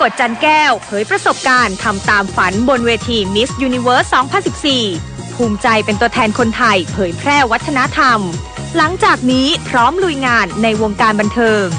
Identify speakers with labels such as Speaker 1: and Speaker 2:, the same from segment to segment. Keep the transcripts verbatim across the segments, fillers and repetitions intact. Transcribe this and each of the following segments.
Speaker 1: กฎจันแก้วเผยประสบการณ์ทำตามฝันบนเวที Miss Universe สองพันสิบสี่ ภูมิใจเป็นตัวแทนคนไทยเผยแพร่วัฒนธรรมหลังจากนี้พร้อมลุยงานในวงการบันเทิง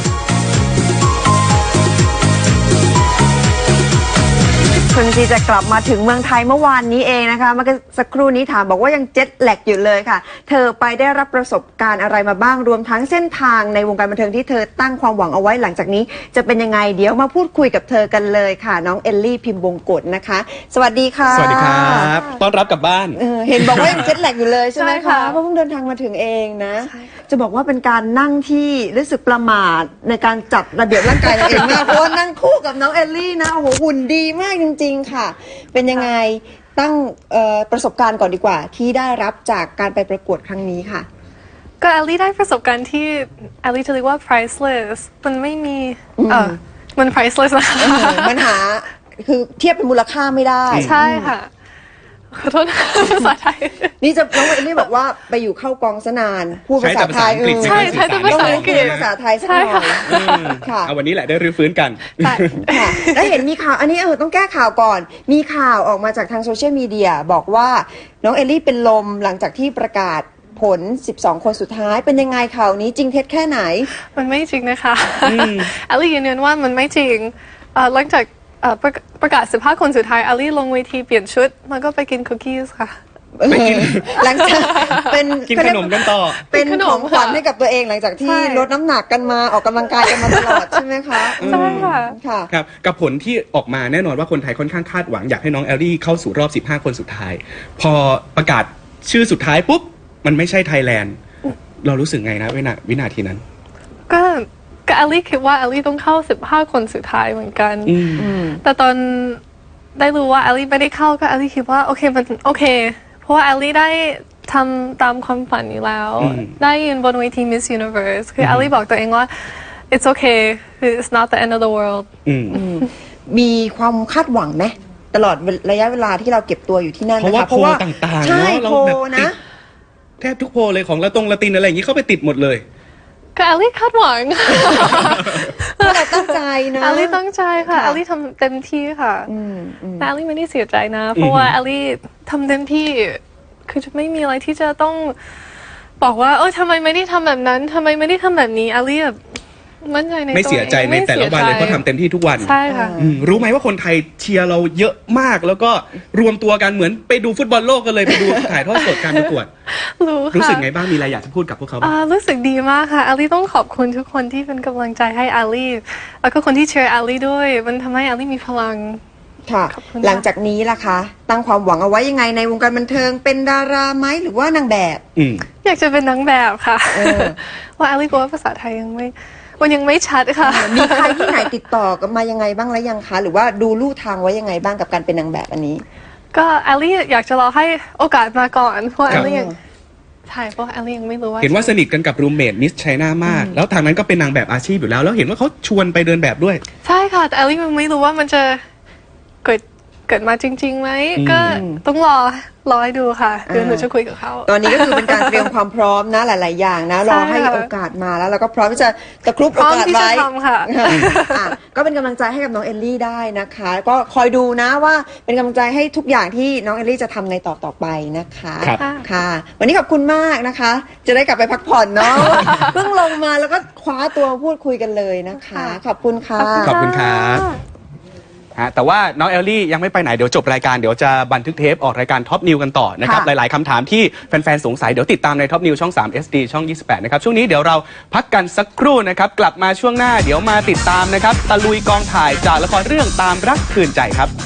Speaker 2: คุณจีจะกลับมาถึงเมืองไทยเมื่อวานนี้เองนะคะเมื่อสักครู่นี้ถามบอกว่ายังเจ็ตแลกอยู่เลยค่ะเธอไปได้รับประสบการณ์อะไรมาบ้างรวมทั้งเส้นทางในวงการบันเทิงที่เธอตั้งความหวังเอาไว้หลังจากนี้จะเป็นยังไงเดี๋ยวมาพูดคุยกับเธอกันเลยค่ะน้องเอลลี่พิมพ์วงกฎนะคะสวัสดีค่ะ
Speaker 3: สวัสดีครับต้อนรับกลับบ้าน
Speaker 2: เ, เห็นบอกว่ายังเจ็ตแลกอยู่เลยใช่ไหมคะเพราะเพิ่งเดินทางมาถึงเองนะจะบอกว่าเป็นการนั่งที่รู้สึกประมาทในการจัดระเบียบร่างกายตัวเองมากเพราะว่านั่งคู่กับน้องเอลลี่นะโอ้โหหุ่นดีมากจริงๆค่ะเป็นยังไงตั้งประสบการณ์ก่อนดีกว่าที่ได้รับจากการไปประกวดครั้งนี้ค่ะ
Speaker 4: ก็แอลลี่ได้ประสบการณ์ที่แอลลี่จะเรียกว่า priceless มันไม่มีเออมัน priceless นะคะ
Speaker 2: มันหาคือเทียบเป็นมูลค่าไม่ได้
Speaker 4: ใช่ค่ะขอโทษภาษาไทย
Speaker 2: นี่จะน้องเอลลี่บอกว่าไปอยู่เข้ากองสนานพูดภาษาไทย
Speaker 4: ใช่ใช่แต่ภาษาอังกฤษ
Speaker 2: ภาษาไทยสักหน่อย
Speaker 3: ค่ะเอาวันนี้แหละได้รื้อฟื้นกัน
Speaker 2: แล้วเห็นมีข่าวอันนี้เออต้องแก้ข่าวก่อนมีข่าวออกมาจากทางโซเชียลมีเดียบอกว่าน้องเอลลี่เป็นลมหลังจากที่ประกาศผลสิบสองคนสุดท้ายเป็นยังไงข่าวนี้จริงเท็จแค่ไหน
Speaker 4: มันไม่จริงนะคะแอลลี่ยืนยันว่ามันไม่จริงหลังจากประกาศสิบห้าคนสุดท้ายแอลลี่ลงเวทีเปลี่ยนชุดแล้วก็ไปกินคุกกี้ค่ะ
Speaker 2: หลังจากเป็น
Speaker 3: กินขนมกันต่อ
Speaker 2: เป็นของขวัญให้กับตัวเองหลังจากที่ลดน้ำหนักกันมาออกกำลังกายกันมาตลอดใช่ไหมคะ
Speaker 4: ใช่ค่ะ
Speaker 3: ครับกับผลที่ออกมาแน่นอนว่าคนไทยค่อนข้างคาดหวังอยากให้น้องแอลลี่เข้าสู่รอบสิบห้าคนสุดท้ายพอประกาศชื่อสุดท้ายปุ๊บมันไม่ใช่ไทยแลนด์เรารู้สึกไงนะวินาวินาทีนั้น
Speaker 4: ก็ก็แอลลี่คิดว่าแอลลี่ต้องเข้าสิบห้าคนสุดท้ายเหมือนกันแต่ตอนได้รู้ว่าแอลลี่ไม่ได้เข้าก็แอลลี่คิดว่าโอเคมันโอเคเพราะว่าแอลลี่ได้ทำตามความฝันอยู่แล้วได้ยืนบนเวที Miss Universe คือแอลลี่บอกตัวเองว่า it's okay it's not the end of the world
Speaker 2: มีความคาดหวังไหมตลอดระยะเวลาที่เราเก็บตัวอยู่ที่นั่น
Speaker 3: เพราะว่าโพลต่างๆเนาะเราแบบติดแทบทุกโพลเลยของละตรงละตินอะไรอย่างนี้เข้าไปติดหมดเลย
Speaker 4: ก็แอลลี่คาดหวัง
Speaker 2: เราตั้งใจนะ
Speaker 4: แอลลี่ตั้งใจค่ะแอลลี่ทำเต็มที่ค่ะแต่แอลลี่ไม่ได้เสียใจนะเพราะว่าแอลลี่ทำเต็มที่คือจะไม่มีอะไรที่จะต้องบอกว่าเออทำไมไม่ได้ทำแบบนั้นทำไมไม่ได้ทำแบบนี้แอลลี่แบบมั่นใจในตัวเอง
Speaker 3: ไม่เสียใจในแต่ละวันเลยเพราะทำเต็มที่ทุกวัน
Speaker 4: ใช่ค่ะ
Speaker 3: รู้ไหมว่าคนไทยเชียร์เราเยอะมากแล้วก็รวมตัวกันเหมือนไปดูฟุตบอลโลกกันเลยไปดูถ่ายทอดสดการประกวด
Speaker 4: รู้ค่ะ
Speaker 3: รู้สึกไงบ้างมีอะไรอยากจะพูดกับพวกเขาบ้าง
Speaker 4: รู้สึกดีมากค่ะแอลลี่ต้องขอบคุณทุกคนที่เป็นกำลังใจให้แอลลี่แล้วก็คนที่เชียร์แอลลี่ด้วยมันทำให้แอลลี่มีพลัง
Speaker 2: ค่ะหลังจากนี้ล่ะคะตั้งความหวังเอาไว้ยังไงในวงการบันเทิงเป็นดาราไหมหรือว่านางแบบ
Speaker 4: อยากจะเป็นนางแบบค่ะว่าแอลลี่กลัวว่าภาษาไทยยังไม่มันยังไม่ชัดค่ะ
Speaker 2: มีใครที่ไหนติดต่อกันมายังไงบ้างแล้วยังคะหรือว่าดูลู่ทางไว้ยังไงบ้างกับการเป็นนางแบบอันนี้
Speaker 4: ก็แอลลี่อยากจะรอให้โอกาสมาก่อนเพราะแอลลี่ยังใช่เพราะแอลลี่ยังไม่รู้ว่า
Speaker 3: เห็นว่าสนิทกันกับรูมเมทมิสไชน่ามากแล้วทางนั้นก็เป็นนางแบบอาชีพอยู่แล้วแล้วเห็นว่าเขาชวนไปเดินแบบด้วย
Speaker 4: ใช่ค่ะแต่แอลลี่ยังไม่รู้ว่ามันจะเกิดเกิดมาจริงๆไหมก็ต้องรอรอให้ดูค่ะเดี๋ยวหนูจะคุยกับเขา
Speaker 2: ตอนนี้ก็คือเป็นการเตรียมความพร้อมนะหลายๆอย่างนะรอให้โอกาสมาแล้วเราก็พร้อมที่จะตะครุบโอกาสไว้ก็เป็นกำลังใจให้กับน้องเอลลี่ได้นะคะก็คอยดูนะว่าเป็นกำลังใจให้ทุกอย่างที่น้องเอลลี่จะทำในต่อต่อไปนะคะค่ะวันนี้ขอบคุณมากนะคะจะได้กลับไปพักผ่อนเนาะเพิ่งลงมาแล้วก็คว้าตัวพูดคุยกันเลยนะคะขอบคุณค่ะ
Speaker 3: ขอบคุณครับแต่ว่าน้องเอลลี่ยังไม่ไปไหนเดี๋ยวจบรายการเดี๋ยวจะบันทึกเทปออกรายการท็อปนิวกันต่อนะครับหลายๆคำถามที่แฟนๆสงสัยเดี๋ยวติดตามในท็อปนิวช่องสาม เอส ดี ช่องยี่สิบแปดนะครับช่วงนี้เดี๋ยวเราพักกันสักครู่นะครับกลับมาช่วงหน้าเดี๋ยวมาติดตามนะครับตะลุยกองถ่ายจากละครเรื่องตามรักคืนใจครับ